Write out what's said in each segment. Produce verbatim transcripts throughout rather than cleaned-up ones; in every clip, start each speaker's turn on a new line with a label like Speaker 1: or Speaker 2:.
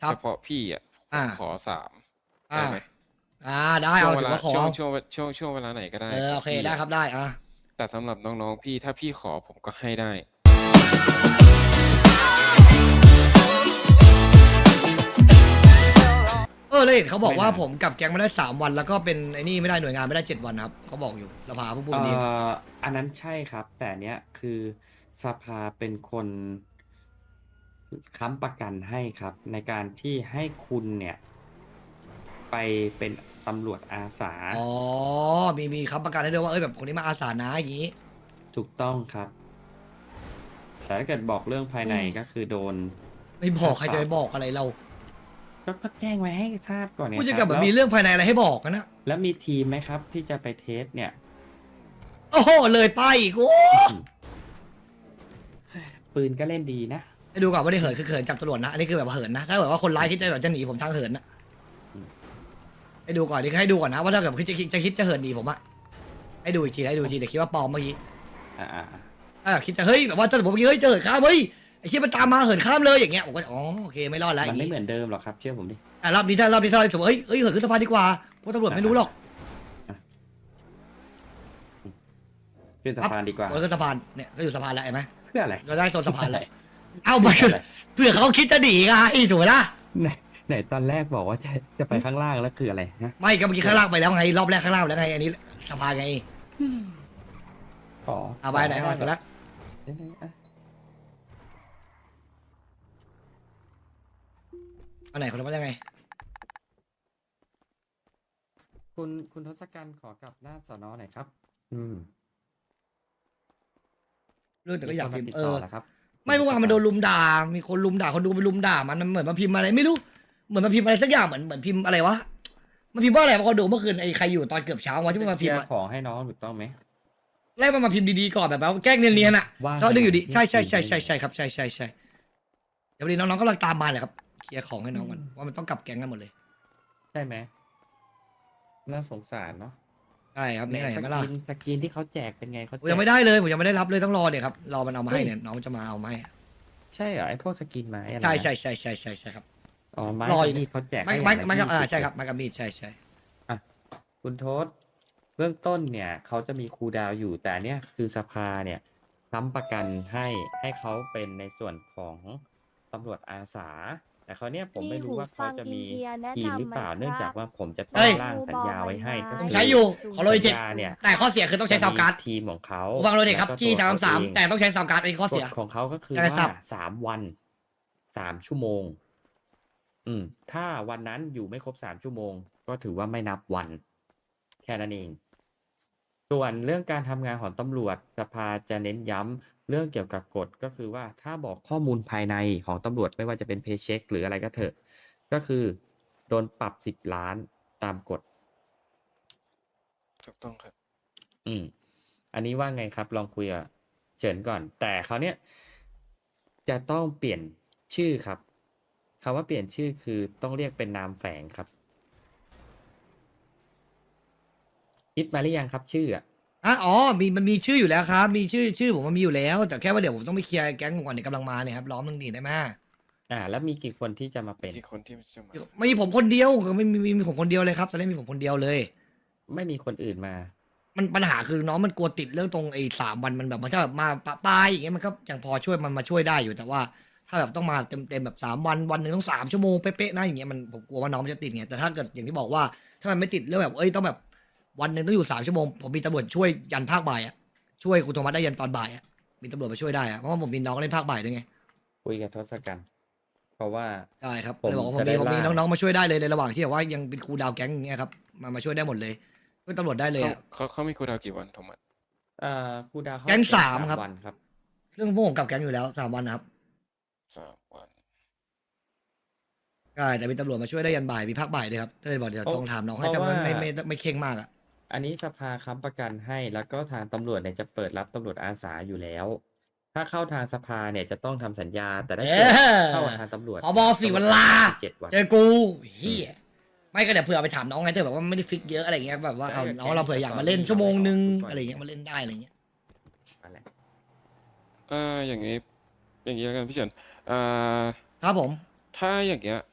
Speaker 1: ครับ
Speaker 2: เฉพาะพี่อ่ะผ
Speaker 1: อ่า
Speaker 2: มขอสาม
Speaker 1: อ่า
Speaker 2: ได้ไหม
Speaker 1: อ่าได้
Speaker 2: ช่ว
Speaker 1: เอา
Speaker 2: งเว
Speaker 1: ถือ
Speaker 2: ลา
Speaker 1: ว่าขอ
Speaker 2: ช่วงช่วงช่วงช่วงเวลาไหนก็ได้
Speaker 1: เออ
Speaker 2: ข
Speaker 1: โอ
Speaker 2: อง
Speaker 1: เค
Speaker 2: พี่
Speaker 1: ได้
Speaker 2: อะ
Speaker 1: ครับ ได้ อ่า
Speaker 2: แต่สำหรับน้องๆพี่ถ้าพี่ขอผมก็ให้ได้
Speaker 1: เออ แล้วเห็นเขาบอก
Speaker 3: ไม่
Speaker 1: ว่า
Speaker 3: นาน
Speaker 1: ผมกลับแก๊งมาได้สามวัน แล้วก็เป็นไอ้นี่ไม่ได้หน่วยงานไม่ได้เจ็ดวันครับ เขาบอกอยู่ สภาเพิ่งพูด
Speaker 3: เอ่
Speaker 1: วันนี้เอง
Speaker 3: อ อันนั้นใช่ครับ แต่อันเนี้ยคือสภาเป็นคน ค้ำประกันให้ครับ ในการที่ให้คุณเนี่ย ไปเป็นตำรวจอาสา
Speaker 1: อ๋อ มี มีค้ำประกันให้ด้วยว่า เฮ้ย แบบคนนี้มาอาสานะ อย่างงี้
Speaker 3: ถูกต้องครับ แต่ถ้าเกิดบอกเรื่องภายใน
Speaker 1: อืม
Speaker 3: ก็คือโดน
Speaker 1: ไม่บอก ใคร
Speaker 3: ค่าป
Speaker 1: จะ
Speaker 3: รั
Speaker 1: ไปบอกอะไรเรา
Speaker 3: ก็ ก็แจ้งไว้ให้ทราบก่อนไง
Speaker 1: พูดอย่าง
Speaker 3: ค
Speaker 1: กั
Speaker 3: รั
Speaker 1: บบ แบบ
Speaker 3: แล้ว
Speaker 1: มีเรื่องภายในอะไรให้บอกอะนะ
Speaker 3: แล้วมีทีมไหมครับที่จะไปเทสเนี่ย?
Speaker 1: โอ้โฮ เลยป้ายอีก โอ้
Speaker 3: อื้อฮือ ปืนก็เล่นดีนะ
Speaker 1: ให้ดูก่อนว่าได้เหิน คือเหินจับตำรวจนะ อันนี้คือแบบว่าเหินนะ ถ้าแบบว่าคนร้ายคิดจะแบบจะหนีผมทางเหินน่ะ
Speaker 3: อืม
Speaker 1: ให้ดูก่อน นี่ให้ดูก่อนนะว่าถ้าเกิดคิดจะคิดจะคิดจะเหินหนีผมอะให้ดูอีกที ให้ดูอีกที เดี๋ยวคิดว่าปลอมเมื่อกี้
Speaker 3: อา ๆ ๆ
Speaker 1: ถ้าแบบคิดจะ เฮ้ย แบบว่าถ้าสมมุติเมื่อกี้ เฮ้ย จะเหินข้าม เฮ้ย ไอ้เหี้ยมันตามมาเหินข้ามเลย อย่างเงี้ย ผมก็ อ๋อ โอเค ไม่รอดแล้ว อ
Speaker 3: มัน
Speaker 1: ย่าง
Speaker 3: ไม่
Speaker 1: งี้
Speaker 3: เหมือนเดิมหรอกครับ เชื่อผมดิ
Speaker 1: แต่รอบนี้ถ้ารอบนี้ถ้าสมมุติ เฮ้ย เฮ้ย เหินขึ้นสะพานดีกว่า เพราะตำรวจไม่รู้หรอก
Speaker 3: อะ อืม ขึ้นสะพานดีกว่า
Speaker 1: เหินขึ้นสะพาน เนี่ย ก็อยู่สะพานแล้วเห็นไหม
Speaker 3: เพื่ออะไร?
Speaker 1: เราได้โซนสะพานแล้ว
Speaker 3: เพื่ออะไร?
Speaker 1: อ้าว มันคือ เผื่อเขาคิดจะหนีไง ถูกไหมล่ะ
Speaker 3: ไหน ไหนตอนแรกบอกว่า จะ จะไปข้างล่างแล้วคืออะไรฮะ?
Speaker 1: ไม่ ก็เมื่อกี้ข้างล่างไปแล้วไง รอบแรกข้างล่างไปแล้วไง อันนี้สะพานไง
Speaker 3: อืม อ๋อ
Speaker 1: เอาไปไหน เอาถูกแล้ว
Speaker 3: เอ๊ะ อะ
Speaker 1: อันไหน คนละว่ายังไง?
Speaker 3: คุณ คุณทศกัณฐ์ขอกลับหน้าสน. หน่อยครับ อืม
Speaker 1: เรื่องแต่ก็อยากพิมพ์
Speaker 3: มีคนมาติด
Speaker 1: เอ
Speaker 3: ต่
Speaker 1: อ
Speaker 3: อเหรอครับ?
Speaker 1: ไม่เมื่อวานมันโดนรุมด่า มีคนรุมด่า คนดูไปรุมด่ามัน มันเหมือนมาพิมพ์อะไรไม่รู้ เหมือนมาพิมพ์อะไรสักอย่าง เหมือน เหมือนพิมพ์อะไรวะ มันพิมพ์ว่าอะไรวะ คนดูเมื่อคืนไอ้ใครอยู่ตอนเกือบเช้าวะที่มันมา
Speaker 3: เค
Speaker 1: พิ
Speaker 3: ลี
Speaker 1: ม
Speaker 3: ย
Speaker 1: พ์
Speaker 3: ร์
Speaker 1: อะ
Speaker 3: ของให้น้องถูกต้องไหม?
Speaker 1: แรกมันมาพิมพ์ดีๆก่อนแบบว่าแกล้งเนียนๆอะ
Speaker 3: ว่าง
Speaker 1: เขาดึงอยู่ดี
Speaker 3: ขนาด
Speaker 1: ใช่
Speaker 3: เที่ยง
Speaker 1: ๆ
Speaker 3: คืน
Speaker 1: ๆ ๆ ๆ ครับ ใช่ ๆ ๆ เดี๋ยวพอดีน้องๆกำลังตามมาแหละครับ เคลียร์ของให้น้องก่อน
Speaker 3: อืม
Speaker 1: ว่ามันต้องกลับแก๊งกันหมดเลย
Speaker 3: ใช่ไหม? น่าสงสารเนาะ
Speaker 1: ใช่ครับ
Speaker 3: ไหน
Speaker 1: นี่ไง
Speaker 3: ส
Speaker 1: เห็นไหม
Speaker 3: ก
Speaker 1: ล่ะ
Speaker 3: รีน สกรีนที่เขาแจกเป็นไง? เขา
Speaker 1: ผม
Speaker 3: แจ
Speaker 1: ยังไม่
Speaker 3: ก
Speaker 1: ได้เลย ผมยังไม่ได้รับเลย ต้องรอเนี่ยครับ รอมันเอามา
Speaker 3: เฮ้
Speaker 1: ให้
Speaker 3: ย
Speaker 1: เนี่ย น้องมันจะมาเอามาให้
Speaker 3: ใช่เหรอ? ไอ้พวกสกรีนไม้อะไร
Speaker 1: ใช่
Speaker 3: นะ?
Speaker 1: ๆ ๆ ๆ ๆ ใช่ครับ
Speaker 3: อ๋อ ไม้
Speaker 1: รอ
Speaker 3: ก
Speaker 1: อัยู่
Speaker 3: บมีดเขาแจก
Speaker 1: ไม้
Speaker 3: ให้อ
Speaker 1: ไม้
Speaker 3: ย่างละ
Speaker 1: ไม้กับ
Speaker 3: ยี่
Speaker 1: อา
Speaker 3: สิบ
Speaker 1: ใช่
Speaker 3: เล
Speaker 1: ครั
Speaker 3: ย
Speaker 1: บ ไม้กับมีด ใช่ ๆ
Speaker 3: อะ คุณทศ เบื้องต้นเนี่ยเขาจะมีคูลดาวน์อยู่ แต่อันเนี้ยคือสภาเนี่ยค้ำประกันให้ ให้เขาเป็นในส่วนของตำรวจอาสา แต่คราวเนี้ยผม
Speaker 4: มี
Speaker 3: ไม่รู้
Speaker 4: หู
Speaker 3: ว่าเข
Speaker 4: ฟั
Speaker 3: าง จะมี
Speaker 4: in-ear แนะ
Speaker 3: ทีม
Speaker 4: นำ
Speaker 3: หรือ
Speaker 4: ไหม
Speaker 3: เปล่า
Speaker 4: ค
Speaker 3: เนื่อง
Speaker 4: รั
Speaker 3: จาก
Speaker 4: บ?
Speaker 3: ว่าผมจะต้
Speaker 1: เฮ้
Speaker 3: อง
Speaker 1: ย
Speaker 3: ร่างสัญญาไว้ให้ ก็
Speaker 1: ผม
Speaker 3: คื
Speaker 1: ใช้
Speaker 3: อ
Speaker 1: อยู่ ขอ
Speaker 3: สั
Speaker 1: โรย
Speaker 3: ญ
Speaker 1: เจ็ด
Speaker 3: ญาเนี่ย
Speaker 1: แต่ข้อเสียคือต้องใช้
Speaker 3: จะ
Speaker 1: ซาวด์
Speaker 3: มี
Speaker 1: การ์ด
Speaker 3: ทีมของเขา
Speaker 1: หูฟังโรยเจ็ด
Speaker 3: แล้
Speaker 1: ครับ
Speaker 3: วก็
Speaker 1: จี้
Speaker 3: ตัวเขา
Speaker 1: สาม
Speaker 3: เอ
Speaker 1: สาม
Speaker 3: ง
Speaker 1: แต่ต้องใช้ซาวด์การ์ด อันนี้ข้อก เสี
Speaker 3: ฎ
Speaker 1: ย
Speaker 3: ของเขาก็คือ
Speaker 1: ใช่
Speaker 3: ว่า
Speaker 1: ครับ
Speaker 3: สาม วัน สาม ชั่วโมง อืม ถ้าวันนั้นอยู่ไม่ครบ สาม ชั่วโมง ก็ถือว่าไม่นับวัน แค่นั้นเอง ส่วนเรื่องการทำงานของตำรวจ สภาจะเน้นย้ำเรื่องเกี่ยวกับกฎ ก็คือว่าถ้าบอกข้อมูลภายในของตำรวจ ไม่ว่าจะเป็น Paycheck หรืออะไรก็เถอะ ก็คือโดนปรับ สิบล้าน ตามกฎ
Speaker 2: ถูกต้องครับ
Speaker 3: อืม อันนี้ว่าไงครับ? ลองคุยกับเฉินก่อน แต่คราวเนี้ยจะต้องเปลี่ยนชื่อครับ คำว่าเปลี่ยนชื่อ คือต้องเรียกเป็นนามแฝงครับ คิดมาหรือยังครับชื่ออะ?
Speaker 1: อา อ๋อ มี มันมีชื่ออยู่แล้วครับ มีชื่อ ชื่อผมมันมีอยู่แล้ว แต่แค่ว่าเดี๋ยวผมต้องไปเคลียร์แก๊งผมก่อน เดี๋ยวกำลังมาเนี่ยครับ รอแป๊บหนึ่งดิ ได้ไหม?
Speaker 3: อา แล้วมีกี่คนที่จะมาเป็น?
Speaker 2: กี่คนที่จะมา?
Speaker 1: มีผมคนเดียว ไม่มี มีผมคนเดียวเลยครับ ตอนนี้มีผมคนเดียวเลย
Speaker 3: ไม่มีคนอื่นมา
Speaker 1: มันปัญหาคือน้องมันกลัวติดเรื่องตรงไอ้ สาม วัน มันแบบ มันถ้าแบบมาปะปราย อย่างเงี้ย มันก็ยังพอช่วย มันมาช่วยได้อยู่ แต่ว่าถ้าแบบต้องมาเต็ม ๆ แบบ สาม วัน วันหนึ่งต้อง สาม ชั่วโมงเป๊ะ ๆ นะ อย่างเงี้ย มัน ผมกลัวว่าน้องมันจะติดไง แต่ถ้าเกิดอย่างที่บอกว่า ถ้ามันไม่ติดเรื่องแบบ เฮ้ย ต้องแบบวันหนึ่งต้องอยู่ สาม ชั่วโมง ผมมีตำรวจช่วยยันภาคบ่ายอะ ช่วยคุณโทมัสได้ยันตอนบ่ายอะ มีตำรวจมาช่วยได้อะ เพราะว่าผมมีน้องเล่นภาคบ่ายด้วยไง
Speaker 3: คุยกับทศกัณฐ์ เพราะว่า
Speaker 1: ได้ครับ
Speaker 3: ผม
Speaker 1: เลยบอกว่าผม
Speaker 3: จะ
Speaker 1: มี
Speaker 3: ได้
Speaker 1: ผมมี
Speaker 3: ร่าง
Speaker 1: น้อง ๆ มาช่วยได้เลย ในระหว่างที่แบบว่ายังเป็นคูลดาวน์แก๊งอย่างเงี้ยครับ มา มาช่วยได้หมดเลย ช่วยตำรวจได้เลย
Speaker 2: เขา
Speaker 1: อะ
Speaker 2: เขา เขามีคูลดาวน์กี่วัน โทมัส?
Speaker 3: อ่า คูลดาวน์เขา
Speaker 1: แก๊ง
Speaker 3: เป็น
Speaker 1: สาม
Speaker 3: สาม
Speaker 1: ครับ
Speaker 3: วันครับ
Speaker 1: ซึ่งพวกผมกลับแก๊งอยู่แล้ว สาม วันนะครับ
Speaker 2: สาม วัน
Speaker 1: ใช่ แต่มีตำรวจมาช่วยได้ยันบ่าย มีภาคบ่ายด้วยครับ ก็เลยบอกเดี๋ยว
Speaker 3: เพราะ
Speaker 1: ต้องถามน้อง
Speaker 3: เพ
Speaker 1: ให้
Speaker 3: ราะ
Speaker 1: ถ้า
Speaker 3: ว่า
Speaker 1: มันไม่ ไม่ ไม่ ไม่เคร่งมากอะ
Speaker 3: อันนี้สภาค้ำประกันให้ แล้วก็ทางตำรวจเนี่ยจะเปิดรับตำรวจอาสาอยู่แล้ว ถ้าเข้าทางสภาเนี่ยจะต้องทำสัญญา แต่ถ้า
Speaker 1: เอ
Speaker 3: เกิด
Speaker 1: อ
Speaker 3: เข้ากับทางตำรวจ
Speaker 1: ผบ. ศิวรา
Speaker 3: เจ็ด วัน
Speaker 1: เจอกู เหี้ย ไม่ก็เดี๋ยวเผื่อไปถามน้องไง ถ้าแบบว่าไม่ได้ฟิกซ์เยอะ อะไรอย่างเงี้ย แบบว่า
Speaker 3: ได้
Speaker 1: เอา
Speaker 3: กับ
Speaker 1: น้อง
Speaker 3: แก๊ง
Speaker 1: เราเผื่ออยากมาเล่น
Speaker 3: ตอนนี้
Speaker 1: ชั่วโมงหนึ่ง
Speaker 3: เราไม่ออกทุกวัน
Speaker 1: อะไรอย่างเงี้ย มาเล่นได้ อะไรอย่างเงี้ย
Speaker 3: นั่นแหละ
Speaker 2: เออ อย่างงี้ อย่างงี้แล้วกันพี่เฉิน อ่า
Speaker 1: ครับผม
Speaker 2: ถ้าอย่างเงี้ย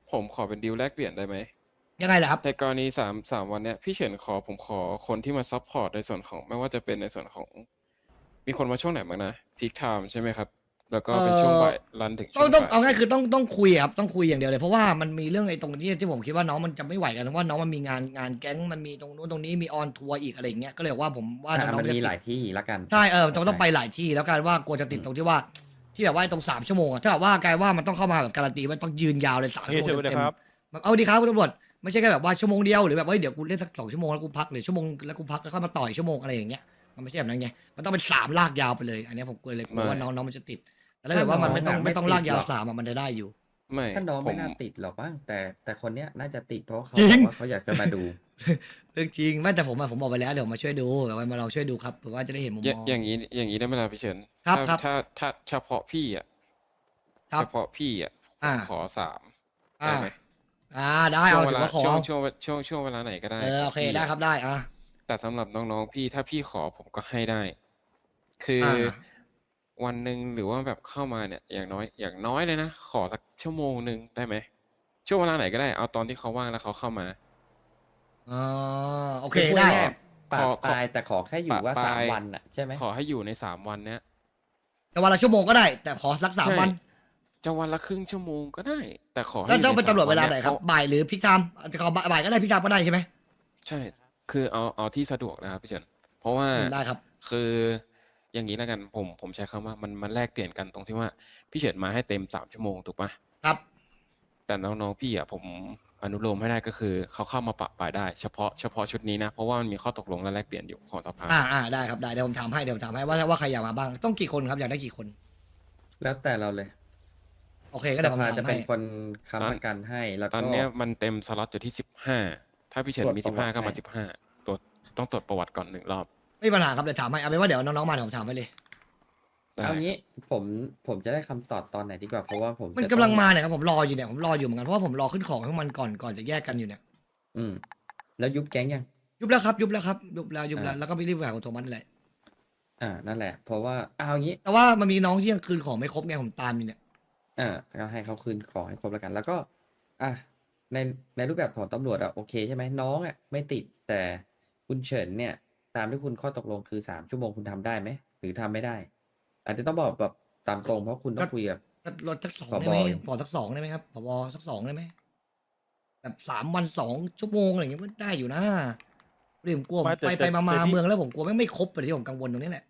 Speaker 2: ผมขอเป็นดีลแลกเปลี่ยนได้ไหม
Speaker 1: ยังไงล่ะครับ
Speaker 2: ในกรณีสามสามวันเนี้ยพี่เฉินขอผมขอคนที่มาซัพพอร์ตในส่วนของไม่ว่าจะเป็นในส่วนของ มีคนมาช่วงไหนบ้างนะพีคไทม์ใช่ไหมครับ แล้วก็เป็นช่วงบ่ายรันถึงช่
Speaker 1: ต้อ
Speaker 2: ว
Speaker 1: ง
Speaker 2: ง
Speaker 1: ต้อง
Speaker 2: บ่าย
Speaker 1: เอาง่ายคือต้องต้องคุยอะครับต้องคุยอย่างเดียวเลยเพราะว่ามันมีเรื่องไอ้ตรงที่ที่ผมคิดว่าน้องมันจะไม่ไหวกันเพราะว่าน้องมันมีงานงานแก๊งมันมีตรงนู้นตรงนี้มีออนทัวร์อีกอะไรอย่างเงี้ยก็เลยว่าผมว่าน้
Speaker 3: อ่ะ
Speaker 1: อง
Speaker 3: มัน
Speaker 1: ๆจะ
Speaker 3: มี
Speaker 1: ติด
Speaker 3: หลายที่ละกัน
Speaker 1: ใช่เออต้อง
Speaker 3: เข้าใจ
Speaker 1: ต้องไปหลายที่แล้วกันว่ากลัวจะติด
Speaker 3: อืม
Speaker 1: ตรงที่ว่า ที่แบบว่าไอ้ตรงสามชั่วโมงอะถ้าแบบว่ากลายว่ามันต้องเข้ามาแบบการันตีว่าต้องยืนยาวเลยสามชั่วโมง
Speaker 4: เฮ้ยเชิญ
Speaker 1: เต็ม
Speaker 4: เลยครับ
Speaker 1: ๆแบบเอาดีครับคุณตำรวจไม่ใช่แค่แบบว่าชั่วโมงเดียวหรือแบบว่าเฮ้ยเดี๋ยวกูเล่นสักสองชั่วโมงแล้วกูพักหรือชั่วโมงแล้วกูพักแล้วค่อยมาต่อยชั่วโมงอะไรอย่างเงี้ยมันไม่ใช่แบบนั้นไงมันต้องเป็นสามลากยาวไปเลย อันเนี้ยผมกลัวเลยกลัวว่าน้องน้องมันจะติดแต่ถ้าเกิดว่ามันไม่ต้องไม่ต้องลากยาวสามอะมันจะได้อยู่
Speaker 2: ไม่
Speaker 3: ถ้าน้อง
Speaker 2: ผ
Speaker 3: ไม่
Speaker 2: ม
Speaker 3: น่าติดหรอกบ้างแต่แต่คนเนี้ยน่าจะติดเพราะเขา
Speaker 1: จริ
Speaker 3: บ
Speaker 1: ง
Speaker 3: อกว่าเขาอยากจะมาดู
Speaker 1: เรื่องจริงไม่แต่ผมอะผมบอกไปแล้วเดี๋ยวมาช่วยดูเดี๋ยวมาลองช่วยดูครับเผื่อว่าจะได้เห็นมุม
Speaker 2: อย่าม
Speaker 1: อง
Speaker 2: อย่างนี้อย่างนี้ได้ไหมล่ะพี่เฉิน
Speaker 1: ครับ
Speaker 2: ถ้า
Speaker 1: ครับ
Speaker 2: ถ้าถ้าเฉพาะพี่อ่ะ
Speaker 1: ครับ
Speaker 2: เฉพาะพี่อ่ะผม
Speaker 1: อ่า
Speaker 2: ขอสาม
Speaker 1: อ่า
Speaker 2: ได้ไหม
Speaker 1: อ่าได้
Speaker 2: ช่
Speaker 1: เอา
Speaker 2: วงเว
Speaker 1: ถือ
Speaker 2: ลา
Speaker 1: ว่าขอ
Speaker 2: ช่วงช่วงช่วงช่วงเวลาไหนก็ได้
Speaker 1: เออ
Speaker 2: ข
Speaker 1: โอ
Speaker 2: อง
Speaker 1: เค
Speaker 2: พี่
Speaker 1: ได้
Speaker 2: อะ
Speaker 1: ครับได้อ่ะ
Speaker 2: แต่สำหรับน้องๆพี่ถ้าพี่ขอผมก็ให้ได้ คืออ
Speaker 1: อ่า
Speaker 2: วันหนึ่งหรือว่าแบบเข้ามาเนี่ย อย่างน้อยอย่างน้อยเลยนะ ขอสักชั่วโมงหนึ่งได้ไหมช่วงเวลาไหนก็ได้เอาตอนที่เขาว่างแล้วเขาเข้ามา
Speaker 1: อ๋อโอเค
Speaker 3: คือพูด
Speaker 1: ได้
Speaker 3: ง่ายๆปา
Speaker 2: ข
Speaker 3: ก
Speaker 2: อ
Speaker 3: ปลายแต่ขอแค่อยู่ว่า
Speaker 2: ปะป
Speaker 3: สาม
Speaker 2: ลาย
Speaker 3: วันอ่ะใช่ไหม
Speaker 2: ขอให้อยู่ในสามวันเนี้ย
Speaker 1: แต่วันละชั่วโมงก็ได้ แต่ขอสักสาม
Speaker 2: ใช่
Speaker 1: วัน
Speaker 2: จะวันละครึ่งชั่วโมงก็ได้ แต่ขอให้
Speaker 1: แล้ว
Speaker 2: ยู่
Speaker 1: ต้อง
Speaker 2: ใน
Speaker 1: เป็น
Speaker 2: สาม
Speaker 1: ตำรวจเวลา
Speaker 2: นี้
Speaker 1: ไหน
Speaker 2: ย
Speaker 1: ครับ
Speaker 2: พาะ
Speaker 1: บ่ายหรือพิกไทม์จะขอบ่ายก็ได้พิกไทม์ก็ได้ใช่ไหม
Speaker 2: ใช่ คือเอาเอาที่สะดวกนะครับพี่เฉินเพราะว่า
Speaker 1: อืมได้ครับ
Speaker 2: คืออย่างนี้แล้วกันผมผมใช้คำว่ามันมันแลกเปลี่ยนกันตรงที่ว่าพี่เฉินมาให้เต็มสามชั่วโมงถูกปะ
Speaker 1: ครับ
Speaker 2: แต่น้องๆพี่อ่ะผมอนุโลมให้ได้ก็คือเขาเข้ามาปะปายได้เฉพาะเฉพาะชุดนี้นะเพราะว่ามันมีข้อตกลงและแลกเปลี่ยนอยู่ของสภา
Speaker 1: อ่าอ่าได้ครับได้เดี๋ยวผมถามให้เดี๋ยวผมถามให้ว่าว่าใครอยากมาบ้างต้องกี่คนครับอยากได้กี่คน
Speaker 3: แล้วแต่เราเลย
Speaker 1: โอเคก็
Speaker 3: ส
Speaker 1: เดี๋ยวผม
Speaker 3: ภา
Speaker 1: ถาม
Speaker 3: จะเป็
Speaker 1: ให้
Speaker 3: นคนค้ำประกันให้แล้ว
Speaker 2: ตอน
Speaker 3: ก็
Speaker 2: เนี้ยมันเต็มสล็อตอยู่ที่สิบห้าถ้าพี่เฉิน
Speaker 3: ตรวจ
Speaker 2: มี
Speaker 3: ประ
Speaker 2: สิบ
Speaker 3: วั
Speaker 2: ห้า
Speaker 3: ติ
Speaker 2: ก็มา
Speaker 3: ให้
Speaker 2: สิบห้าตัวต้องตรวจประวัติก่อนหนึ่งรอบ
Speaker 1: ไม่มีปัญหาครับเดี๋ยวถามให้เอาเป็นว่าเดี๋ยวน้องๆมาเดี๋ยวผมถามให้เลย
Speaker 2: ได้
Speaker 3: เอางี้ผมผมจะได้คำตอบตอนไหนดีกว่าเพราะว่าผม
Speaker 1: มัน
Speaker 3: จะ
Speaker 1: กำลัง
Speaker 3: ต้อง
Speaker 1: มาเนี่ยครับผมรออยู่เนี่ยผมรออยู่เหมือนกันเพราะว่าผมรอขึ้นของทั้งมันก่อนก่อนจะแยกกันอยู่เนี่ย
Speaker 3: อืมแล้วยุบแก๊งยัง
Speaker 1: ยุบแล้วครับยุบแล้วครับยุบแล้วยุบแล้ว
Speaker 3: อ่า
Speaker 1: แล้วก็ไปรีบไปหาคุณโทมัสนั่นแหละ
Speaker 3: อ่านั่นแหละ เพราะว่าเอางี้
Speaker 1: แต่ว่ามันมีน้องที่ยังคืนของไม่ครบไงผมตามอยู่เนี่ย
Speaker 3: อ่าก็ให้เขาคืนของให้ครบแล้วกัน แล้วก็ อ่ะในในรูปแบบของตำรวจอะโอเคใช่ไหมน้องอะไม่ติดแต่คุณเฉินเนี่ย ตามที่คุณข้อตกลงคือสามชั่วโมงคุณทำได้ไหมหรือทำไม่ได้ อาจจะต้องบอกแบบตามตรงเพราะคุณต้องคุยกับ
Speaker 1: ก็ลดสักสอง
Speaker 3: ผบ
Speaker 1: ได้ไหม
Speaker 3: อยู่
Speaker 1: ขอสักสองได้ไหมครับผบสักสองได้ไหมแบบสามวันสองชั่วโมงอะไรอย่างเงี้ยก็ได้อยู่นะเรื่องกลัวผม
Speaker 4: ไม่แต่
Speaker 1: ไป
Speaker 4: แต่
Speaker 1: ไปมามา
Speaker 4: แต่ที่
Speaker 1: เมืองแล้วผมกลัวไม่งไม่ครบเลยที่ผมกังวลตรงนี้แหละ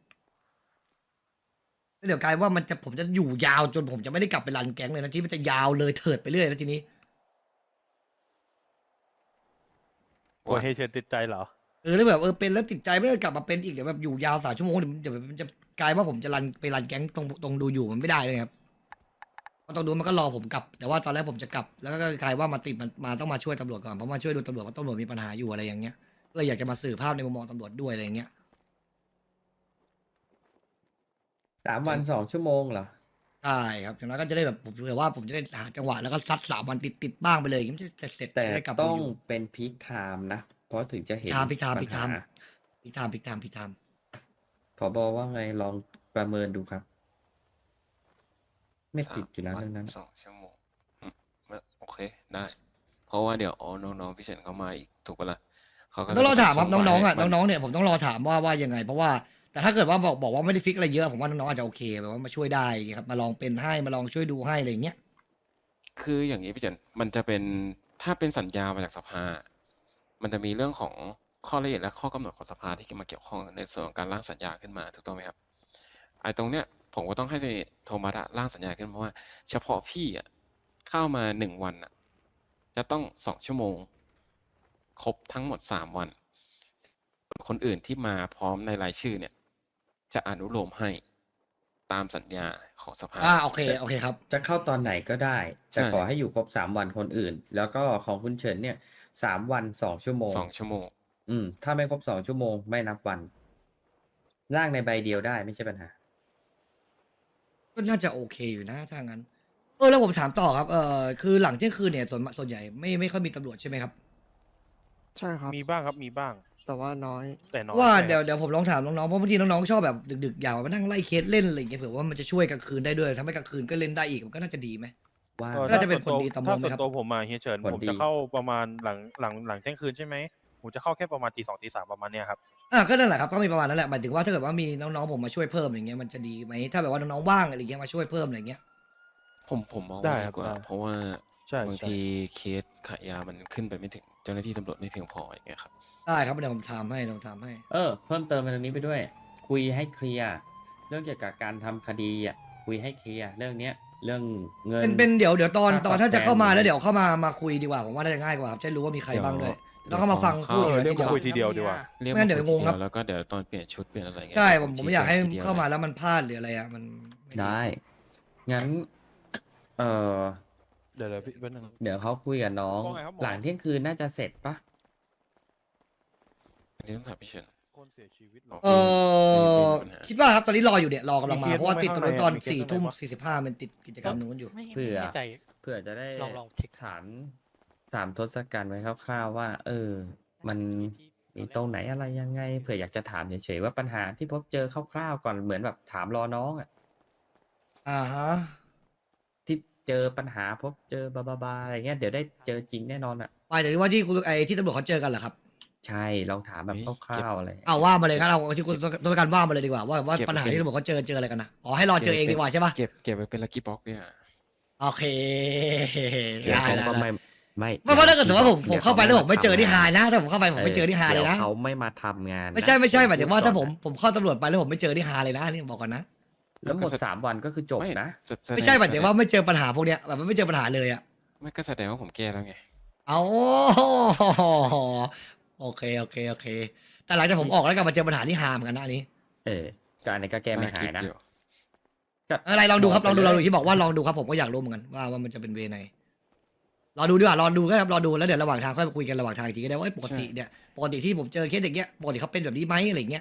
Speaker 1: แล้วเดี๋ยวกลายว่ามันจะผมจะอยู่ยาวจนผมจะไม่ได้กลับไปรันแก๊งเลยนะที่มันจะยาวเลยเถิดไปเรื่อยแล้วทีนี้
Speaker 4: กลัวเฮเชนติดใจเหรอ
Speaker 1: เออแล้วแบบเออเป็นแล้วติดใจไม่ได้กลับมาเป็นอีกเดี๋ยวแบบอยู่ยาวสามชั่วโมงเดี๋ยวมันจะมันจะกลายว่าผมจะรันไปรันแก๊งตรงตรงดูอยู่มันไม่ได้เลยครับเพราะตรงดูมันก็รอผมกลับ แต่ว่าตอนแรกผมจะกลับ แล้วก็กลายว่ามาติดมันมาต้องมาช่วยตำรวจก่อนเพราะมาช่วยดูตำรวจว่าตำรวจมีปัญหาอยู่อะไรอย่างเงี้ยก็เลยอยากจะมาสื่อภาพในมุมมองตำรวจด้วยอะไรอย่างเงี้ย
Speaker 3: สามวันสองชั่วโมงเหรอ
Speaker 1: ใช่ครับอย่างน้อยก็จะได้แบบผมเผื่อว่าผมจะได้หาจังหวะแล้วก็ซัดสามวันติดติดๆบ้างไปเลยอย่างเงี้ยมันจะเสร็จๆ
Speaker 3: แต่
Speaker 1: จะได้กลับ
Speaker 3: ต้
Speaker 1: มา
Speaker 3: อง
Speaker 1: อยู่
Speaker 3: เป็นพีคไทม์นะ เพราะถึงจะเห็น
Speaker 1: ไทม์พีคไทม์
Speaker 3: ปั
Speaker 1: พี
Speaker 3: ญ
Speaker 1: คไท
Speaker 3: หา
Speaker 1: ม์ พิกไทม์พิกไทม์พิกไทม์
Speaker 3: ผบว่าไงลองประเมินดูครับ ไม่
Speaker 2: สา
Speaker 3: ติด
Speaker 2: ม
Speaker 3: อยู่แล้ว
Speaker 2: วัน
Speaker 3: เรื่องนั้น
Speaker 2: สองชั่วโมงอืมไม่โอเคได้ เพราะว่าเดี๋ยวอ๋อน้องๆพี่เฉินเขามาอีกถูกปะล่ะเขาก็
Speaker 1: ต้องรอถามครับ
Speaker 2: ส่
Speaker 1: น้องๆอ่ะ
Speaker 2: ให้มั
Speaker 1: น้องๆเนี่ยผมต้องรอถามว่าว่ายังไง เพราะว่าแต่ถ้าเกิดว่าบอกบอกว่าไม่ได้ฟิกอะไรเยอะผมว่าน้องๆอาจจะโอเคแบบว่ามาช่วยได้ครับมาลองเป็นให้มาลองช่วยดูให้อะไรอย่างเงี้ย
Speaker 2: คืออย่างนี้พี่เฉินมันจะเป็นถ้าเป็นสัญญามาจากสภา มันจะมีเรื่องของข้อละเอียดและข้อกำหนดของสภาที่มาเกี่ยวข้องในส่วนของการร่างสัญญาขึ้นมาถูกต้องไหมครับไอ้ตรงเนี้ยผมก็ต้องให้โทมัสอะร่างสัญญาขึ้นเพราะว่าเฉพาะพี่อะเข้ามาหนึ่งวันอะจะต้องสองชั่วโมง ครบทั้งหมดสามวัน คนอื่นที่มาพร้อมในรายชื่อเนี่ย จะอนุโลมให้ตามสัญญาของสภา
Speaker 1: อ่าโอเคโอเคครับ
Speaker 3: จะเข้าตอนไหนก็ได้
Speaker 2: ใช่
Speaker 3: จะขอให้อยู่ครบสามวันคนอื่น แล้วก็ของคุณเฉินเนี่ยสามวันสองชั่วโมง
Speaker 2: สองชั่วโมง
Speaker 3: อืม ถ้าไม่ครบสองชั่วโมงไม่นับวัน ร่างในใบเดียวได้ไม่ใช่ปัญหา
Speaker 1: ก็น่าจะโอเคอยู่นะถ้างั้นเออแล้วผมถามต่อครับเออคือหลังเที่ยงคืนเนี่ยส่วนส่วนใหญ่ไม่ไม่ค่อยมีตำรวจใช่ไหมครับ
Speaker 5: ใช่ครับ
Speaker 4: มีบ้างครับ มีบ้าง
Speaker 5: แต่ว่าน้อย
Speaker 4: แต่น้อย
Speaker 1: ว่า
Speaker 4: ใช่
Speaker 1: เดี๋ยว
Speaker 4: ครับ
Speaker 1: เดี๋ยวผมลองถามน้องๆเพราะบางทีน้องๆชอบแบบดึกๆอยากมานั่งไล่เคสเล่นอะไรอย่างเงี้ยเผื่อว่ามันจะช่วยกลางคืนได้ด้วยทำให้กลางคืนก็เล่นได้อีกมันก็น่าจะดีไหม
Speaker 3: ว่าง
Speaker 4: เออ
Speaker 1: น่า
Speaker 4: ถ้า
Speaker 1: จะเป็น
Speaker 4: ส่วนตัว
Speaker 1: ผลดีต่อ
Speaker 4: ถ้า
Speaker 1: เมืองไหม
Speaker 4: ส่วน
Speaker 1: ครับ
Speaker 4: ตัวผมมาเฮียเฉิน
Speaker 3: ผล
Speaker 4: ผม
Speaker 3: ดี
Speaker 4: จะเข้าประมาณหลังหลังหลังเที่ยงคืนใช่ไหมผมจะเข้าแค่ประมาณตีสองตีสามประมาณเนี้ยครับ
Speaker 1: อ่าก็นั่นแหละครับก็มีประมาณนั้นแหละหมายถึงว่าถ้าเกิดว่ามีน้องๆผมมาช่วยเพิ่มอย่างเงี้ยมันจะดีไหมถ้าแบบว่าน้องๆว่างอะไรเงี้ยมาช่วยเพิ่มอะไรเงี้ย
Speaker 2: ผมผมมอง
Speaker 4: ได้
Speaker 2: ว่า
Speaker 4: ครั
Speaker 2: ดี
Speaker 4: บ
Speaker 2: กว่า
Speaker 4: ได้
Speaker 2: เพราะว่า
Speaker 4: ใช่
Speaker 2: บาง
Speaker 4: ใช่
Speaker 2: ทีเคสขายยามันขึ้นไปไม่ถึงเจ้าหน้าที่ตำรวจไม่เพียงพออย่างเงี้ยครับ
Speaker 1: ได้ครับเดี๋ยวผมทำให้ลองทำให้
Speaker 3: เออ เพิ่มเติมในตรงนี้ไปด้วย คุยให้เคลียร์เรื่องเกี่ยวกับการทำคดีอ่ะคุยให้เคลียร์เรื่องเนี้ย เรื่องเงิน
Speaker 1: เป็นเป็นเดี๋ยวเดี๋ยวตอน
Speaker 3: ค่า
Speaker 1: ตอน
Speaker 3: ตอบ
Speaker 1: ถ้าจะ
Speaker 3: แทน
Speaker 1: เข้ามา
Speaker 3: หรือ
Speaker 1: แล้วเดี๋ยวเข้ามามาคุยดีกว่าผมว่าน่าจะง่ายกว่าครับจะได้รู้ว่ามีใคร
Speaker 2: เดี๋ยว
Speaker 1: บ้างด้วย
Speaker 2: เดี๋
Speaker 1: แล้
Speaker 2: ยว ว
Speaker 1: ก็มาฟัง
Speaker 2: ตอน
Speaker 1: พูด
Speaker 2: เข้า
Speaker 1: อยู่
Speaker 4: เรียก
Speaker 1: ทีเดียว
Speaker 4: มาคุยทีเดียวดีกว่า
Speaker 2: เรียก
Speaker 1: ไม่งั้
Speaker 2: มาน
Speaker 1: เดี๋ยว
Speaker 2: คุย
Speaker 1: งง
Speaker 2: ที
Speaker 1: ครับ
Speaker 2: เดียวแล้วก็เดี๋ยวตอนเปลี่ยนชุดเปลี่ยนอะไรเงี้ย
Speaker 1: ใช่
Speaker 2: เดี๋ยว
Speaker 1: ผมผม
Speaker 2: ชี้
Speaker 1: ไม่อยากให้
Speaker 2: แจงทีดียว
Speaker 1: เข้ามา
Speaker 2: ลย
Speaker 1: แล้วมันพลาดหรืออะไรอ่ะมันม่
Speaker 3: ได้ งั้น เออ
Speaker 4: เดี๋ยวเดี๋ยวพี่แป๊บนึง
Speaker 3: เดี๋ยวเขาคุยกับน้อง
Speaker 4: ว่าไงครับหมอ
Speaker 3: หลังเที่ยงคืนน่าจะเสร็จปะ
Speaker 2: อันนี้ต้องถามพี่เฉิน
Speaker 4: คนเสียชีวิตเหรอ
Speaker 1: เออคิดว่าครับตอนนี้รออยู่เนี่ยรอกำลังมา
Speaker 4: มีเคส
Speaker 1: เพราะว่าติดตรงนู้นตอน
Speaker 4: บ้างไหม
Speaker 1: สี่
Speaker 4: ข้างใน
Speaker 1: ทุ่ม
Speaker 4: มีเคส
Speaker 1: สี่สิบห้ามันติดกิจกรรมนู้นอยู่
Speaker 6: ไม่
Speaker 3: เผื่
Speaker 6: ไม่
Speaker 3: อ
Speaker 6: แน่ใจ
Speaker 3: เพื่อจะได้
Speaker 6: ลองลองเช็ค
Speaker 3: ฐานสามทศกัณฐ์ไว้คร่าวๆว่า เออ มันมีตรงไหนอะไรยังไงเผื่ออยากจะถามเฉยๆว่าปัญหาที่พบเจอคร่าวๆก่อนเหมือนแบบถามรอน้องอ่ะ
Speaker 1: อ่าฮะ
Speaker 3: ที่เจอปัญหาพบเจอบาบาบาอะไรเงี้ยเดี๋ยวได้เจอจริงแน่นอนอ่ะ
Speaker 1: ไปถึงว่าที่คุณไอ้ที่ตำรวจเขาเจอกันเหรอครับ
Speaker 3: ใช่ลองถามแบบ
Speaker 2: เฮ้ย
Speaker 3: คร่าวๆอะไร
Speaker 1: เอาว่ามาเลยครับเอาที่คุณตัวการว่ามาเลยดีกว่าว่าว่า
Speaker 2: เก็บ
Speaker 1: ปัญหา
Speaker 2: ไว้
Speaker 1: ที่ตำรวจเขาเจอเจออะไรกันนะอ๋อให้รอเจอเองดีกว่าใช่ปะ
Speaker 2: เก็บเก็บไว้เป็นลักกี้บ็อกเนี่ย
Speaker 1: โอเค
Speaker 3: เดี๋ยว
Speaker 1: ได้
Speaker 3: เขา
Speaker 1: ได้
Speaker 3: ก็
Speaker 1: ได้
Speaker 3: ไม่ไม่
Speaker 1: ไม่เพราะถ้าเกิดสมมติว่าผมผม
Speaker 3: ดี๋ยว
Speaker 1: เข้าไปแล้วผมไม่เจอที่ไฮ
Speaker 3: ทำง
Speaker 1: นะถ้าผมเข้าไปผมไม่เจอที่ไฮเลยนะ
Speaker 3: ดี๋วเขาไม่มาทำงาน
Speaker 1: ไม่ใช่
Speaker 3: นะ
Speaker 1: ไม่ใช่หมายถึงว่าถ้าผม
Speaker 3: พูดก่อนนะ
Speaker 1: ผมเข้าตำรวจไปแล้วผมไม่เจอที่ไฮเลยนะนี่บอกก่อนนะ
Speaker 3: แล้วหมดสามวันก็คือจบ
Speaker 2: ไม่
Speaker 3: นะ
Speaker 2: แสแสดง
Speaker 1: ไม่ใช่หมายถึงว่าไม่เจอปัญหาพวกเนี้ยแบบไม่เจอปัญหาเลยอะ
Speaker 2: ไม่ก็แสดงว่าผมแก้แล้วไง
Speaker 1: เอาโอเคโอเคโอเค แต่หลังจากผมออกแล้วกลับมาเจอปัญหาที่ไฮเหมือนกันนะอันนี้
Speaker 3: เออก็อันนี้ก็แก้ไม่หายนะ
Speaker 2: คิดอยู่
Speaker 3: ก็
Speaker 1: อะไรลองดูครับลองดู
Speaker 3: ไป
Speaker 1: ลอง
Speaker 3: เล
Speaker 1: ดู
Speaker 3: ย
Speaker 1: ที่บอกว่าลองดูครับผมก็อยากรู้เหมือนกันว่าว่ามันจะเป็นเวไหนรอดูดีกว่ารอดูก็ครับรอดูแล้วเดี๋ยวระหว่างทางค่อยมาคุยกันระหว่างทางอีกทีก็ได้ว่าเอ้ยปกติเนี่ยปกติที่ผมเจอเคสอย่างเงี้ยปกติเขาเป็นแบบนี้ไหมอะไรอย่างเงี้ย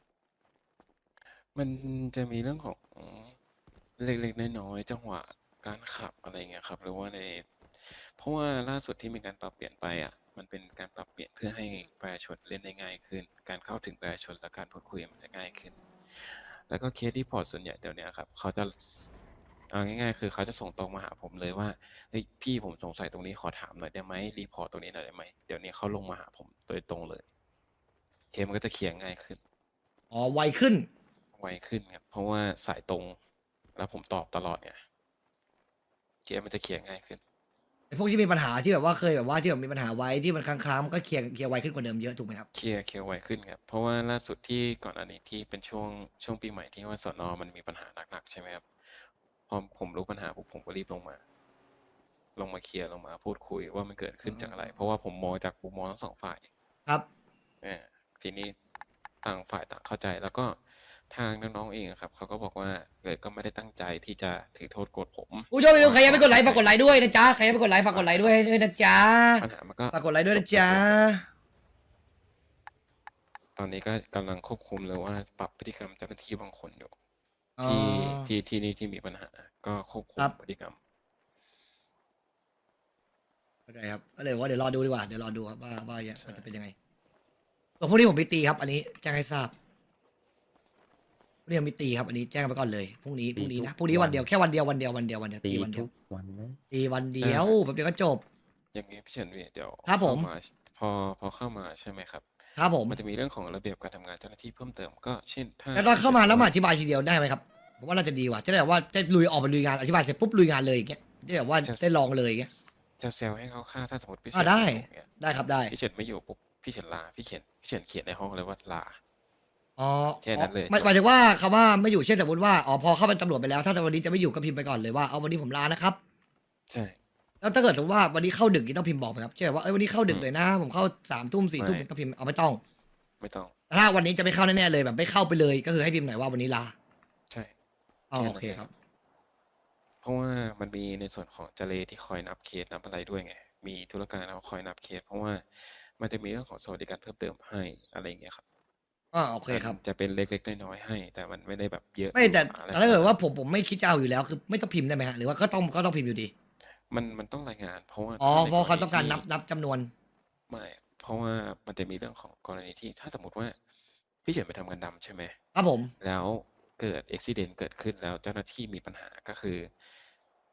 Speaker 2: มันจะมีเรื่องของเล็กๆน้อยๆจังหวะการขับอะไรเงี้ยครับหรือว่าใน เพราะว่าล่าสุดที่มีการปรับเปลี่ยนไปอ่ะ มันเป็นการปรับเปลี่ยนเพื่อให้ประชาชนเล่นได้ง่ายขึ้น การเข้าถึงประชาชนและการพูดคุยมันจะง่ายขึ้น แล้วก็เคสรีพอร์ตส่วนใหญ่เดี๋ยวนี้ครับเขาจะเอาง่ายๆ คือเขาจะส่งตรงมาหาผมเลยว่าเฮ้ยพี่ผมสงสัยตรงนี้ขอถามหน่อยได้ไหมรีพอร์ตตรงนี้หน่อยได้ไหมเดี๋ยวนี้เขาลงมาหาผมโดยตรงเลยเคสมันก็จะเคลียร์ง่ายขึ้น
Speaker 1: อ๋อไวขึ้น
Speaker 2: ไวขึ้นครับเพราะว่าสายตรง แล้วผมตอบตลอดไงเคสมันจะเคลียร์ง่ายขึ้น
Speaker 1: ไอ้พวกที่มีปัญหาที่แบบว่าเคยแบบว่าที่แบบมีปัญหาไว้ที่มันค้างๆมันก็เคลียร์เคลียร์ไวขึ้นกว่าเดิมเยอะถูกไหมครับ
Speaker 2: เคลียร์เคลียร์ไวขึ้นครับ เพราะว่าล่าสุดที่ก่อนอันนี้ที่เป็นช่วงช่วงปีใหม่ที่ว่าสนมันมีปัญหาหนักๆใช่ไหมครับพอผมรู้ปัญหาปุ๊บผมก็รีบลงมา ลงมาเคลียร์ลงมาพูดคุยว่ามันเกิดขึ้นจากอะไร เพราะว่าผมมองจากมุมมองทั้งสองฝ่าย
Speaker 1: ครับ
Speaker 2: เออทีนี้ต่างฝ่ายต่างเข้าใจแล้วก็ทางน้องๆเองอะครับเขาก็บอกว่าเกิดก็ไม่ได้ตั้งใจที่จะถือโทษโกรธผม
Speaker 1: ผู้ชมใครยังไม่กดไลค์ฝากกดไลค์ด้วยนะจ๊ะใครยังไม่กดไลค์ฝากกดไลค์ด้วยด้วยนะจ๊ะ
Speaker 2: ปัญหามันก็
Speaker 1: ฝากกดไลค์ด้วยนะจ๊ะ
Speaker 2: ตอนนี้ก็กำลังควบคุมเลยว่าปรับพฤติกรรมเจ้าหน้าที่บางคนอยู่
Speaker 1: อ๋อ
Speaker 2: ที่ที่ที่นี่ที่มีปัญหา ก็ควบคุม
Speaker 1: ครับ
Speaker 2: พฤติกรรม
Speaker 1: เข้าใจครับก็เลยว่าเดี๋ยวรอดูดีกว่าเดี๋ยวรอดูครับว่าว่ามันจะเป็นยังไงส่วนพรุ่งนี้ผมมีตีครับ อันนี้แจ้งให้ทราบพรุ่งนี้ผมมีตีครับ อันนี้แจ้งไปก่อนเลยพรุ่งนี้พรุ่งนี้นะพรุ่งนี้วันเดียวแค่วันเดียววันเดียววันเดียววันเดียว
Speaker 3: ตี
Speaker 1: ตีวันเดีย
Speaker 3: ทุ
Speaker 1: ว
Speaker 3: กวันไหม
Speaker 1: ตีวันเดียวแบบเดียวก็จบ
Speaker 2: อย่างนี้พี่เฉินพี่เดี๋ยว
Speaker 1: ครับผม
Speaker 2: เข้าาพอพอเข้ามาใช่ไหมครับ
Speaker 1: ครับผม
Speaker 2: มันจะมีเรื่องของระเบียบการทำงานเจ้าหน้าที่เพิ่มเติมก็เช่นถ้า
Speaker 1: แล้วตอนเข้ามาแล้วมาอธิบายทีเดียวได้ไหมครับผมว่าน่าจะดีกว่าจะได้แบบว่าจะลุยออกไปลุยงานอธิบายเสร็จปุ๊บลุยงานเลยอย่างเงี้ยจะแบบว่าได้ลองเลยอย่างเงี้ย
Speaker 2: จะเซลให้เขาค่าถ้าสมมติพี่เฉิ
Speaker 1: อ่าน ได้
Speaker 2: ม่อยู่เนี่ย
Speaker 1: ได้ครับได้
Speaker 2: พี่เฉินไม่อยู่ปุ๊บพี่เฉินลาพี่เขียนพี่เฉินเขียนในห้องเลยว่าลา
Speaker 1: อ๋อ
Speaker 2: แค่นั้นเลย
Speaker 1: หมายหมายถึงว่าคำว่าไม่อยู่เช่นสมมติว่าอ๋อพอเข้าเป็นตำรวจไปแล้วถ้าวันนี้จะไม่อยู่ก็พิมพ์ไปก่อนเลยว่าเอาวันนี้ผมลานะครับ
Speaker 2: ใช่
Speaker 1: แล้วถ้าเกิดสมมติว่าวันนี้เข้าดึกนี่ต้องพิมพ์บอกไหมครับเช่นว่าเอ้ยวันนี้เข้าดึก
Speaker 2: อืม
Speaker 1: เลยนะ ผมเข้าสามทุ่มสี่ทุ่ม
Speaker 2: ไม่
Speaker 1: ต้องพิมพ์เอาไม่ต้อง
Speaker 2: ไม่ต้อง
Speaker 1: แต่ถ้าวันนี้จะไม่เข้าแน่ๆเลยแบบไม่เข้าไปเลยก็คือให้พิมพ์หน่อยว่าวันนี้ลา
Speaker 2: ใช่
Speaker 1: อ๋อ
Speaker 2: แค่นั้น
Speaker 1: โอเคครับ
Speaker 2: เพราะว่ามันมีในส่วนของเจเลที่คอยนับเคสนับอะไรด้วยไง มีธุรการเขาคอยนับเคส เพราะว่ามันจะมีเรื่องของสวัสดิการเพิ่มเติมให้อะไรอย่างเงี้ยครับ
Speaker 1: อ๋อโอเคครับ
Speaker 2: มันจะเป็นเล็กๆน้อยๆให้ แต่มันไม่ได้แบบเยอะ
Speaker 1: ไม่แต่
Speaker 2: อะไร
Speaker 1: แต่ถ้าเกิดว่าผมผมไม่คิดจะเอาอยู่แล้วคือไม่ต้องพิมพ์ได้ไหมฮะหรือว่าก็ต้องก็ต้องพิมพ์อยู่ดี
Speaker 2: มันมันต้องรายงาน เพราะว่า
Speaker 1: อ๋อ
Speaker 2: ถ้ใน
Speaker 1: เพราะเขา
Speaker 2: ณี
Speaker 1: ต้องการ
Speaker 2: ที่
Speaker 1: นับนับจำนวน
Speaker 2: ไม่ เพราะว่ามันจะมีเรื่องของกรณีที่ถ้าสมมติว่าพี่เฉินไปทำงานดำใช่ไหม
Speaker 1: ครับผม
Speaker 2: แล้วเกิดอุบิเหตุเกิดขึ้นแล้วเจ้าหน้าที่มีปัญหาก็คือ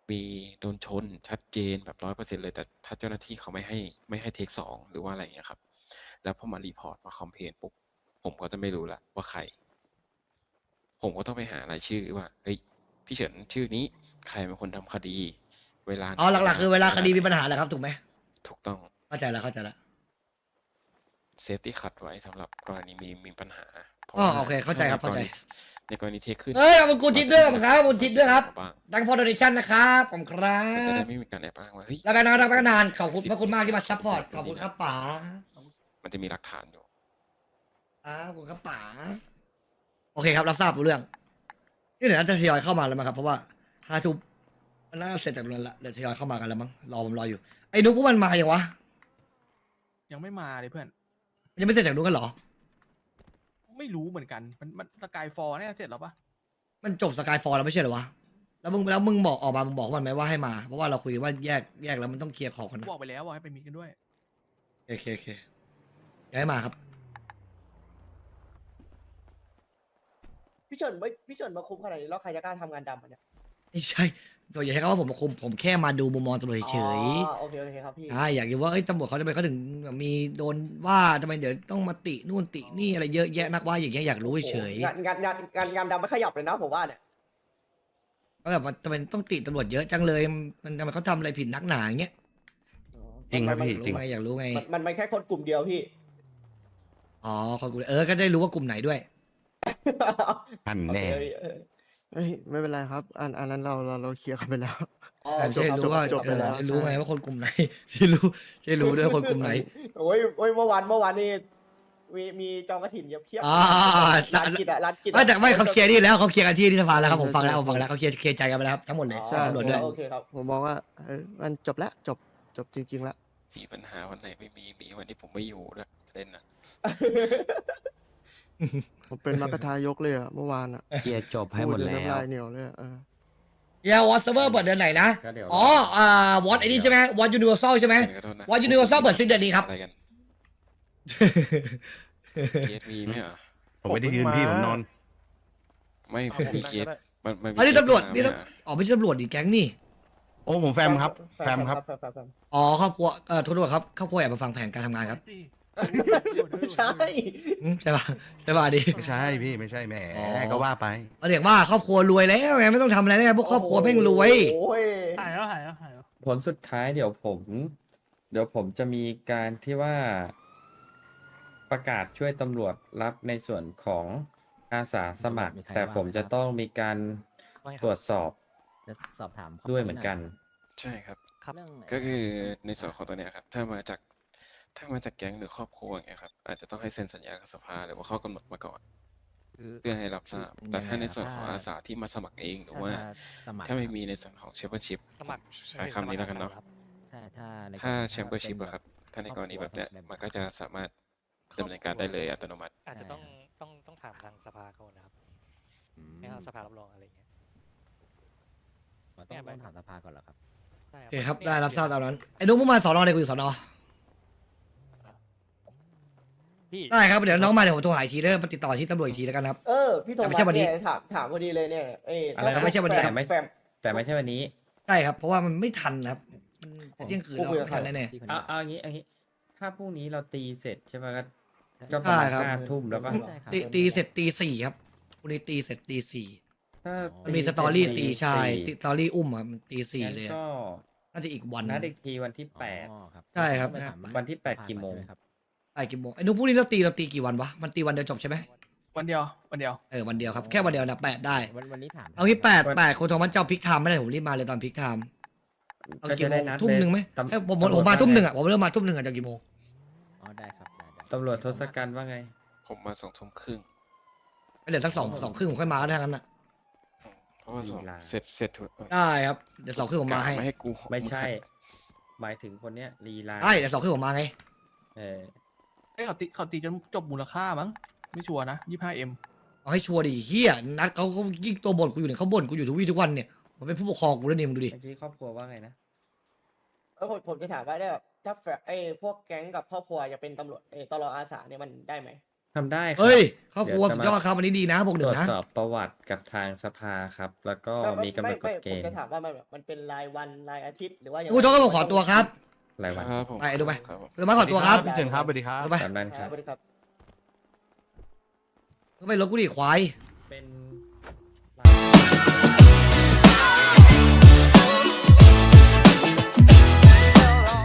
Speaker 2: มีโดนชนชัดเจนแบบร้อยเปอร์เซ็นเลย แต่ถ้าเจ้าหน้าที่เขาไม่ให้ไม่ให้เทคสองหรือว่าอะไรอย่างเงี้ยครับ แล้วพอมารีพอร์ตมาคอมเพลนปุ๊บผมก็จะไม่รู้ละว่าใคร ผมก็ต้องไปหารายชื่อว่าเฮ้ยพี่เฉินชื่อนี้ใครเป็นคนทำคดี เวลาไหน
Speaker 1: อ๋อหลักๆคือเวลาคดีมีปัญ
Speaker 2: ไหน
Speaker 1: หาแหละครับถูกไหม
Speaker 2: ถูกต้อง
Speaker 1: เข้าใจแล้วเข้าใจแล้ว
Speaker 2: เซฟตี้คัดไว้สำหรับกรณีมีมีปัญหาพราะ
Speaker 1: อ๋อ
Speaker 2: ว่า
Speaker 1: โอเคเข้าใจครับ
Speaker 2: ถ้
Speaker 1: เข้าใจ
Speaker 2: ในกรณีเทคขึ้น
Speaker 1: เฮ้ยขอบคุณกูทิดด้วยขอบคุณครับขอบคุณทิดด้วยครับ
Speaker 2: บ้าง
Speaker 1: ดังฟอร์ดเนชั่นนะครับผมครั
Speaker 2: มันจะได้
Speaker 1: บ
Speaker 2: ไม่มีการแอบอ้างว่าเฮ้ย
Speaker 1: แล้วไปนานแล้วไปนานขอบคุณพระคุณมากที่มาซัพพอร์ตขอบคุณครับป๋า
Speaker 2: มันจะมีหลักฐานอยู่
Speaker 1: ครับขอบคุณครับป๋าโอเคครับรับทราบรู้เรื่องนี่เดี๋ยวน่าจะทยอยเข้ามาแล้วมั้งครับเพราะว่าห้าทุ่มมันน่าเสร็จจากเรือนละเดี๋ยวทยอยเข้ามากันแล้วมั้งรอผมรออยู่ไอ้นุ๊กพวกมันมาอย่างวะ
Speaker 6: ยังไม่มาเลยเพื่อน
Speaker 1: มันยังไม่เสร็จจากนุ๊กกันเหรอ
Speaker 6: ไม่รู้เหมือนกัน มันมันสกายฟอร์เนี่ยเสร็จแล้วปะ
Speaker 1: มันจบสกายฟอร์แล้วไม่ใช่เหรอวะแล้วมึงแล้วมึงบอกออกมามึงบอกมันไหมว่าให้มาเพราะว่าเราคุยกันว่าแยกแยกแล้วมันต้องเคลียร์ของกันนะ
Speaker 6: บอกไปแล้วว่าให้ไปมีกันด้วย
Speaker 1: โอเคโอเคย้ายมาครับ
Speaker 7: พี่เฉินไม่พี่เฉินมาคุมขนาดนี้แล้วใครจะกล้าทำงานดำอ่ะเนี่ย
Speaker 1: ไม่ใช่ตัวอย่าใช้คำว่าผมมาคุมผมแค่มาดูมุมมองตำรวจเฉย
Speaker 7: อ๋อโอเคโอเคครับพี่
Speaker 1: ๆอ่าอยากรู้ว่าเอ้ยตำรวจเขาทำไมเขาถึงมีโดนว่าทำไมเดี๋ยวต้องมาตินู่นตินี่อะไรเยอะแยะนักว่าอย่างเงี้ยอยากรู้เฉย
Speaker 7: งานงานงานงานงานดำไม่ขยับเลยนะผมว่าเนี่ย
Speaker 1: ๆก็แบบว่าทำไมต้องติตำรวจเยอะจังเลยมันทำไมเขาทำอะไรผิดนักหนาอย่างเงี้ย
Speaker 8: จริงครับพี่
Speaker 1: อยาก
Speaker 8: จริง
Speaker 1: รู้ไงอยากรู้ไง
Speaker 7: มันมันมันแค่คนกลุ่มเดียวพี่
Speaker 1: อ๋อคนกลุ่มเออก็จะได้รู้ว่ากลุ่มไหนด้วย
Speaker 8: พัน
Speaker 7: โอ
Speaker 8: แน่
Speaker 7: เคเออ
Speaker 5: เอ้ยไม่เป็นไรครับ อันอันนั้นเราเราเราเคลียร์กันไปแล้ว
Speaker 7: อ๋อ
Speaker 1: แต่
Speaker 7: จ
Speaker 1: จะ
Speaker 7: บ
Speaker 1: ได้
Speaker 7: ครับ
Speaker 1: รู้ว่า
Speaker 7: จบ
Speaker 1: เอ
Speaker 7: ไป
Speaker 1: อ
Speaker 7: แล้ว
Speaker 1: จะรู้ไง
Speaker 5: ใช่
Speaker 1: ว่าคนกลุ่มไหน จะรู้จะรู้ด้วยคนกลุ่มไหน
Speaker 7: โอ้ยโอ้ยเมื่อวานเมื่อวานนี่มีมีจองกระถิ่นเยอะเพียบ
Speaker 1: อ่า
Speaker 7: ร้านกินอะร้านกินอะ
Speaker 1: ไม่แต่ไม่เขาเคลียร์นี่แล้วเขาเคลียร์กันที่ที่สภาแล้วครับผมฟังแล้วผมฟังแล้วเขาเคลียร์เคลียร์ใจกันไปแล้วครับทั้งหมดเลย
Speaker 7: อ๋อ
Speaker 5: ใช่
Speaker 1: ตำรวจด้วย
Speaker 7: โอเคครับ
Speaker 5: ผมมองว่าเออมันจบแล้วจบจบจริงๆแล้ว
Speaker 2: มีปัญหาวันไหนไม่มีมีวันที่ผมไม่อยู่ด้วยเล่นนะ
Speaker 5: ผมเป็นมรรคทายกเลยอะเมื่อวานอะ
Speaker 3: เจียจบให้หมด
Speaker 5: พูจน
Speaker 3: แล้
Speaker 5: น้ำลายว เหนียวเลยอะเออ
Speaker 1: เยาวอสเซอร์เปิดเดือนไหนนะ
Speaker 3: ก็เดี๋ยว
Speaker 1: อ๋อ อ่าวอตไอ้นี่ใช่ไหมวอตยูนิเวอร์แซลใช่ไหม
Speaker 2: ขอโทษนะ
Speaker 1: What Universal เปิดสิ้นเดือนนี้ครับ
Speaker 2: อะไรกันเคสมีไหมเหรอ
Speaker 8: ผมไม่ได้ยืนพี่ผมนอน
Speaker 2: ไม่
Speaker 4: เอาผม
Speaker 2: มี
Speaker 4: นั่ง
Speaker 2: เคส
Speaker 4: ก็ได้
Speaker 2: มันมันมี
Speaker 1: อันนี้
Speaker 2: เคส
Speaker 1: ตำรวจ
Speaker 2: มา
Speaker 1: นี่
Speaker 2: ไหม
Speaker 1: ตำ
Speaker 2: อะ
Speaker 1: อ๋อไม่ใช่ตำรวจดิแก๊งนี่
Speaker 8: โอ้ผมแฟมครับ แฟมครับ
Speaker 7: แฟมแฟมแฟม
Speaker 1: อ๋อครอบครัวเอ่อโทษด้วยครับครอบครัวแอบมาฟังแผนการทำงานครับ
Speaker 7: ไม่ใช่
Speaker 1: อืมใช่ป่ะใช่ป่ะดิ
Speaker 8: ไม่ใช่พี่ไม่ใช่แหม
Speaker 1: อ๋อ
Speaker 8: ก็ว่าไป
Speaker 1: เอาเรียกว่าครอบครัวรวยแล้วไงไม่ต้องทำอะไรแล้วพวกครอบครัวแม่งรวย
Speaker 7: โอ้ย
Speaker 6: หายแล้วหายแล้วหายแล้ว
Speaker 3: ผลสุดท้ายเดี๋ยวผม เดี๋ยวผมจะมีการที่ว่า ประกาศช่วยตำรวจรับในส่วนของอาสาสมัคร
Speaker 9: มีใคร
Speaker 3: แต่
Speaker 9: ว่า
Speaker 3: ผม
Speaker 9: ไหม
Speaker 3: จะ
Speaker 9: ครับ
Speaker 3: ต้องมีการตรวจสอบ
Speaker 9: จะสอบถามข้
Speaker 3: ด้วยเหมือนกัน
Speaker 2: ใช่ครับ
Speaker 9: เรื่อง
Speaker 2: ก็คือในส่วนของตัวเนี้ยครับ ถ้ามาจากถ้ามาจากแก๊งหรือครอบครัวอย่างเงี้ยครับ อาจจะต้องให้เซ็นสัญญากับสภาหรือว่าข้อกำหนดมาก่อน
Speaker 9: คือ
Speaker 2: เพื่อให้รับทราบ
Speaker 9: คือ
Speaker 2: แต่ถ้าในส่วน
Speaker 9: ถ้า
Speaker 2: ของอาสาที่มาสมัครเองหรือว่า
Speaker 9: สมัคร
Speaker 2: ถ้าไม่
Speaker 9: ครับ
Speaker 2: มีในส่วนของแชมเปี้ยนชิพ
Speaker 10: สมัคร
Speaker 2: ใช้คำนี้แล้วกันเนาะ
Speaker 9: ถ้าถ้าใน
Speaker 2: ถ้าก
Speaker 9: รณี
Speaker 2: แชมเปี้ยนชิพ
Speaker 9: ป็
Speaker 2: อะครับ ถ้าในกรณี
Speaker 9: ค
Speaker 2: แบ
Speaker 9: รอบบ
Speaker 2: เนี้ย
Speaker 9: ครัว
Speaker 2: มันก็จะสามารถดำเนินการได้เลยอัตโนมัติ
Speaker 10: อาจจะต้อง
Speaker 9: ใช่ครับ
Speaker 10: ต้องต้องถามทางสภาก่อนนะครับ
Speaker 9: อืม
Speaker 10: ให้ทางสภารับรองอะไรอย่างเงี้ย
Speaker 9: อ๋อต้องต้องถามสภาก่อนเหรอครับ
Speaker 10: ใช่
Speaker 1: โอเคครับได้รับทราบตามนั้นไอ้นุ๊กมึงมาสอนอเลยกูอยู่สอนอ
Speaker 10: พี่
Speaker 1: ได้ครับเดี๋ยวน้องมาเดี๋ยวผมโทรหาอีกทีแล้วมาติดต่อที่ตำรวจอีกทีแล้วกันครับ
Speaker 7: เออพี่โท
Speaker 1: แต่
Speaker 7: มั
Speaker 1: ไม่ใช่วันนี้
Speaker 7: เนี่ยถามถามพอดีเลยเนี่ยเอ้ย
Speaker 3: อะไรนะ
Speaker 1: ไม่ใช่วันนี้
Speaker 7: แฟ
Speaker 3: แต่ไม่
Speaker 7: แฟม
Speaker 3: แต่ไม่ใช่วันนี้
Speaker 1: ใช่ครับเพราะว่ามันไม่ทันครับมันจะเที่ยงคืนแล้ว
Speaker 7: ผมคุยกับ
Speaker 1: ไม่ทัน
Speaker 7: ใคร
Speaker 1: แน่
Speaker 9: ที่คน
Speaker 3: เอา
Speaker 9: นี้
Speaker 3: เอาอย่างนี้เอาอย่างนี้ ถ้าพรุ่งนี้เราตีเสร็จใช่ไหมก็
Speaker 9: ใช่
Speaker 3: ก็ประมาณ
Speaker 1: ได้ครับ
Speaker 3: ห้าทุ่มแล้วป่ะ
Speaker 9: ใช่ครับ
Speaker 1: ๆตีตีเสร็จตีสี่ครับวันนี้ตีเสร็จตีสี่
Speaker 3: ถ้า
Speaker 1: มันมีสตอรี่ตีชาย
Speaker 3: ตี
Speaker 1: สตอรี่อุ้มครับมันตีสี่
Speaker 3: งั้น
Speaker 1: เลยอะ
Speaker 3: ก็
Speaker 1: น่าจะอีกวัน
Speaker 3: นัดอีกทีวันที่แปด
Speaker 9: อ๋อครับ
Speaker 1: ใช่ครับ
Speaker 9: ต้องไปถาม
Speaker 3: วันที่แปด
Speaker 9: สภา
Speaker 3: กี่โมง
Speaker 9: ใช่ไหครับ
Speaker 1: ไอ้กี่โมงไอ้นุ๊กพรุ่งนี้เราตีเราตีกี่วันวะมันตีวันเดียวจบใช่ไหม
Speaker 6: วันเดียววันเดียว
Speaker 1: เออวันเดียวครับแค่วันเดียวนะแปดได้
Speaker 9: วันวันนี้ถาม
Speaker 1: เอางี้แปด
Speaker 3: วัน
Speaker 1: แปดคนโทรมาเจ้าพิกไทม์ไม่ได้ผมรีบมาเลยตอนพิกไทม์เอา
Speaker 3: ก็
Speaker 1: กี่
Speaker 3: จะ
Speaker 1: โม
Speaker 3: ได้
Speaker 1: ง
Speaker 3: นัด
Speaker 1: ทุ่มหนึ่งไหม
Speaker 3: ตำ
Speaker 1: เอ้ยผมผม
Speaker 3: ตำรวจ
Speaker 1: ผมมา
Speaker 3: ว่
Speaker 1: ทุ่มหนึ่ง
Speaker 3: ไ
Speaker 1: อ่ะผมเริ่มมาทุ่มหนึ่งอ่ะจากกี่โมง
Speaker 9: อ๋อได้ครับได้ได้
Speaker 3: ตำรวจทศกัณฐ์ว่าไง
Speaker 2: ผมมาสองทุ่มครึ่ง
Speaker 1: เดี๋ยวสักสองสองครึ่งผมค่อยมาก็ได้ทั้งนั้นอ่ะ
Speaker 2: เพราะว่าสอง
Speaker 3: ลีลา
Speaker 2: เสร็จเสร็จทุกเออ
Speaker 1: ได้ครับเดี๋ยวสองครึ่งผมมาให้
Speaker 2: ไม่ให้กู
Speaker 3: ไม่ใช่ หมายถึงคนเนี้ยลีลา
Speaker 1: ได้เดี๋ยวสองครึ่งผมมาไง
Speaker 3: เออ
Speaker 6: เอ้ยเขาตีเขาตีจนจบมูลค่ามั้ง ไม่ชัวร์นะยี่ห้าเอ็ม
Speaker 1: เอาให้ชัวร์ดิเฮียนัดเขาเขายิ่งตัวบ่นกูอยู่เนี่ยเขาบ่นกูอยู่ทุกวี่ทุกวันเนี่ยมันเป็นผู้ปกครองกูแล้วเนี่ยมึงดูดิ
Speaker 3: เมื่อกี้ครอบครัวว่าไงนะ
Speaker 7: เออผมผมจะถามว่าได้แบบถ้าแฟไอ้พวกแก๊งกับครอบครัวจะเป็นตำรวจเอ้ยตลออาสาเนี่ยมันได้ไหม
Speaker 3: ทำได้ครั
Speaker 1: เฮ้ย
Speaker 3: บ
Speaker 1: ครอบครัวสุดยอดครับอันนี้ดีนะบวกห
Speaker 3: ต
Speaker 1: นึ่
Speaker 3: รว
Speaker 1: ง
Speaker 3: จ
Speaker 1: นะ
Speaker 3: สอบประวัติกับทางสภาครับ แล้วก็
Speaker 7: ไม่
Speaker 3: มีกำหน
Speaker 7: ไม่
Speaker 3: ดก
Speaker 7: ไม่
Speaker 3: ฎเก
Speaker 7: ผม
Speaker 3: ณฑ์
Speaker 7: จะถามว่ามันแบบมันเป็นรายวันรายอาทิตย์หรือว่ายังไง
Speaker 1: กูโทษก็ผมขอตัวครับ
Speaker 3: รายวัน
Speaker 2: ครับผม
Speaker 1: ไปดูไป
Speaker 2: ครับผม
Speaker 1: เรือมาขอตัวครับ
Speaker 8: พี่เฉินครับสวัสดีครับ
Speaker 1: เอาไป
Speaker 3: ตามนั้นค
Speaker 7: ค
Speaker 3: รั
Speaker 7: รับบ สวัสดีครับ
Speaker 1: ก็ไปรถกูดิควาย
Speaker 3: เป็น